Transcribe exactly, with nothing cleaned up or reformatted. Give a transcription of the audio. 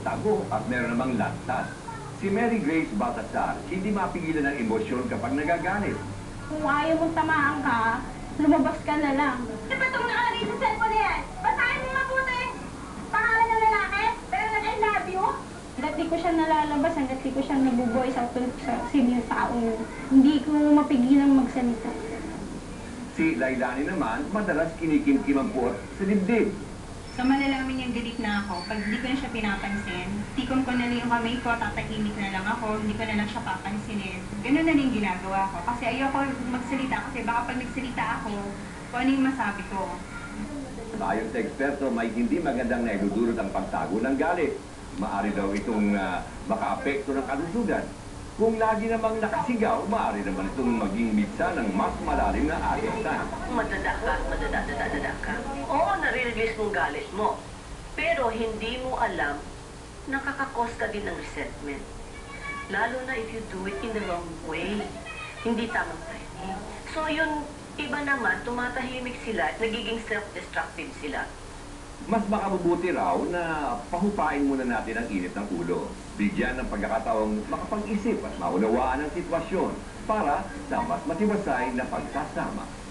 tago at meron namang lantas. Si Mary Grace Baltasar, hindi mapigilan ng emosyon kapag nagagalit. Kung ayaw mong tamaan ka, lumabas ka na lang. Ano ba itong nakalagay sa cellphone na yan? Basahin mo mabuti! Pangalan ng lalaki, pero nag-I love you? Hanggat di ko siya nalalabas, hanggat di ko siya nabuboys out sa senior taong hindi ko mapigilang magsalita. Si Lailani naman, madalas kinikimkim ang puot sa dibdib. So malalaman niyang galit na ako. Pag hindi ko na siya pinapansin, tikom ko na lang yung kamay ko, tatahimik na lang ako, hindi ko na lang siya papansinin. Ganun na lang yung ginagawa ko. Kasi ayoko magsalita kasi baka pag nagsalita ako, kung ano yung masabi ko. Ayon sa eksperto, may hindi magandang naidudulot ang pagtago ng galit. Maari daw itong uh, makaapekto ng kalusugan. Kung lagi namang nakasigaw, maaari naman itong maging mitsa ng mas malalim na alitan. Madada ka, madada-dada ka. Oo, nare-release mong galit mo. Pero hindi mo alam, nakakakos ka din ng resentment. Lalo na if you do it in the wrong way. Hindi tamang timing. So yun, iba naman, tumatahimik sila, nagiging self-destructive sila. Mas makabubuti raw na pahupain muna natin ang init ng ulo. Bigyan ng pagkakataong makapag-isip at maunawaan ang sitwasyon para sa mas matibasay na pagsasama.